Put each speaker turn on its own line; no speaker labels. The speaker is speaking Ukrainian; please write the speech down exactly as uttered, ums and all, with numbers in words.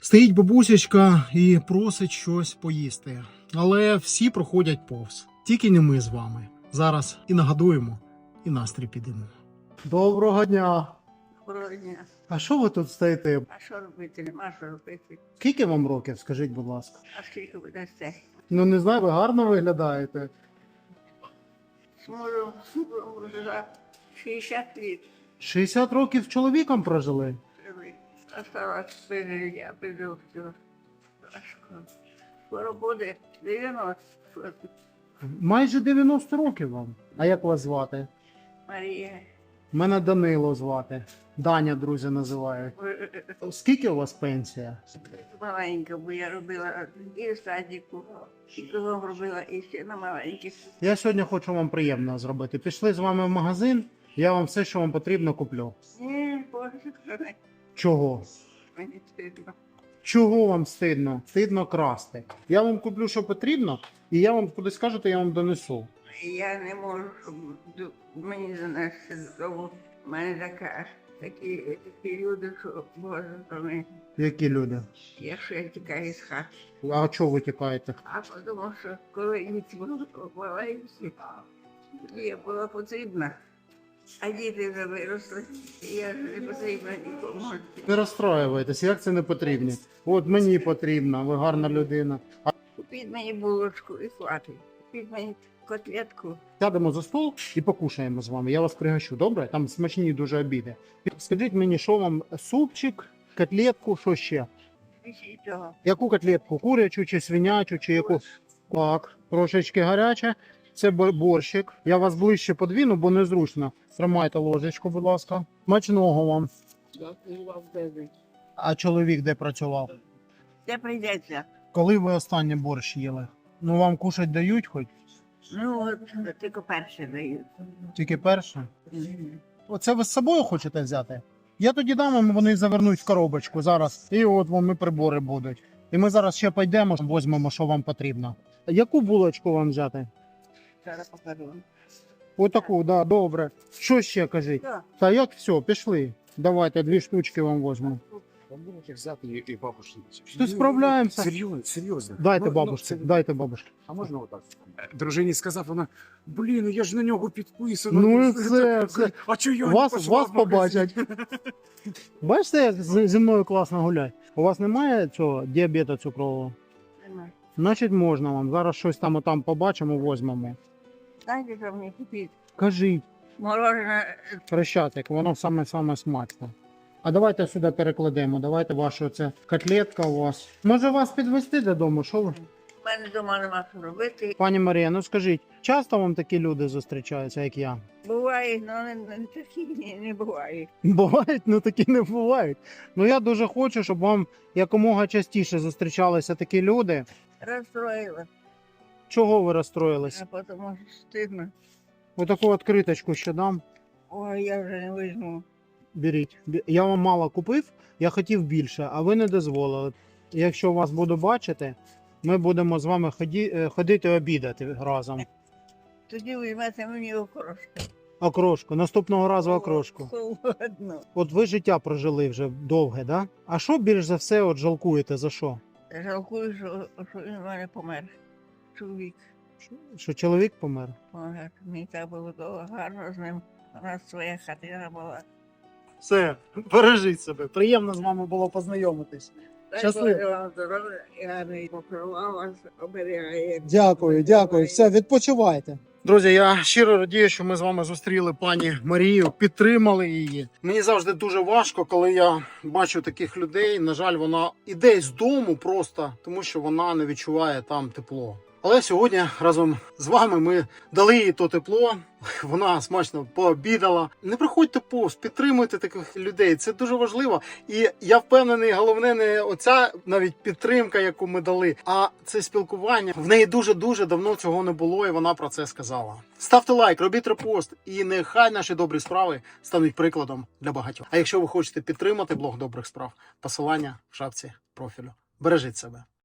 Стоїть бабусечка і просить щось поїсти. Але всі проходять повз. Тільки не ми з вами. Зараз і нагодуємо, і настрій підемо. Доброго дня!
Доброго дня.
А що ви тут стоїте?
А що робити? Нема що робити.
Скільки вам років, скажіть, будь ласка?
А скільки ви дасте?
Ну не знаю, ви гарно виглядаєте.
Зможу вже шістдесят літ.
шістдесят років чоловіком прожили.
жили. Осталось без я без всього. Важко. Скоро буде дев'яносто.
Майже дев'яносто років вам. А як вас звати?
Марія.
Мене Данило звати. Даня, друзі, називають. Скільки у вас пенсія?
Маленька, бо я робила і в садіку, і кругом робила, і ще на маленьких.
Я сьогодні хочу вам приємно зробити. Пішли з вами в магазин, я вам все, що вам потрібно, куплю.
Ні, Боже,
Чого?
мені стидно.
Чого вам стидно? Стидно красти. Я вам куплю, що потрібно, і я вам куди скажете, я вам донесу.
Я не можу, щоб до- мені занести додому. У мене така, такі, такі люди, що Боже, то ми,
Які люди?
якщо я тікаю з хати.
А чого ви тікаєте?
А тому що коли діти були маленькі, я була потрібна, а діти вже виросли, і я вже не потрібна нікому.
Не розстроюйтесь, як це не потрібно? От мені потрібно, ви гарна людина.
Купіть мені булочку і хватить. Купіть мені котлетку.
Сядемо за стол і покушаємо з вами. Я вас пригощу, добре? Там смачні дуже обіди. Скажіть мені, що вам супчик, котлетку, що ще?
Більше нічого.
Яку котлетку? Курячу чи свинячу, чи яку? Так, трошечки гаряче. Це бо- борщик. Я вас ближче подвіну, бо незручно. Тримайте ложечку, будь ласка. Смачного вам.
Дякую вам дуже.
А чоловік де працював?
Це прийдеться.
Коли ви останнє борщ їли? Ну вам кушать дають хоч?
Ну от, тільки перше дають.
Тільки перше?
Мгм.
Оце ви з собою хочете взяти? Я тоді дам вам, вони завернуть в коробочку зараз. І от вам і прибори будуть. І ми зараз ще пойдемо, візьмемо, що вам потрібно. Яку булочку вам взяти?
Зараз покажу.
Отаку, да, добре. Що ще кажіть?
Що?
Та як все, пішли. Давайте дві штучки вам візьмемо.
Можете взяти і, і бабушці.
Що справляємося?
Серйозно, серйозно.
Дайте
Ну,
бабушці,
ну, це-
дайте бабушці.
А можна отак? Дружині сказав, вона, блін, я ж на нього підписана.
Ну і все, все.
А чого я не
Вас,
пішла
вас
в магазин?
побачать. Бачите, як з- зі мною класно гулять? У вас немає цього діабету цукрового?
Нема.
Значить можна вам. Зараз щось там отам побачимо, візьмемо.
Знаєте, що мені купити?
Кажіть,
Морожене.
Хрещатик, воно саме-саме смачне. А давайте сюди перекладемо. Давайте вашу це котлетка у вас. Може вас підвезти додому? Що ви?
У мене вдома нема що робити.
Пані Марія, ну скажіть, часто вам такі люди зустрічаються, як я?
Буває, але не, не такі не, не буває.
Бувають, ну такі не бувають. Ну я дуже хочу, щоб вам якомога частіше зустрічалися такі люди.
Розстроїла,
Чого ви розстроїлись?
а тому що стидно.
Отаку відкриточку ще дам.
Ой, я вже не візьму.
Беріть. Бі- Я вам мало купив, я хотів більше, а ви не дозволили. Якщо вас буду бачити, ми будемо з вами ході... е, ходити обідати разом.
Тоді візьмете мені окрошку.
Окрошку. Наступного разу окрошку.
Холодно.
От ви життя прожили вже довге, да? А що більш за все от жалкуєте за що?
Жалкую, що, що він в мене помер. Чоловік
Що- Що чоловік помер?
помер. Мені так було довго гарно з ним. У нас своя хатина була.
Все, бережіть себе. Приємно з вами було познайомитись.
Дай
Щасливо.
Боже вам здоров'я і гарний покрова вас оберігає.
Дякую, дякую. Все, відпочивайте. Друзі, я щиро радію, що ми з вами зустріли пані Марію, підтримали її. Мені завжди дуже важко, коли я бачу таких людей. На жаль, вона іде з дому просто, тому що вона не відчуває там тепло. Але сьогодні разом з вами ми дали їй то тепло, вона смачно пообідала. Не приходьте повз, підтримуйте таких людей, це дуже важливо. І я впевнений, головне не оця навіть підтримка, яку ми дали, а це спілкування. В неї дуже-дуже давно цього не було, і вона про це сказала. Ставте лайк, робіть репост, і нехай наші добрі справи стануть прикладом для багатьох. А якщо ви хочете підтримати блог добрих справ, посилання в шапці профілю. Бережіть себе.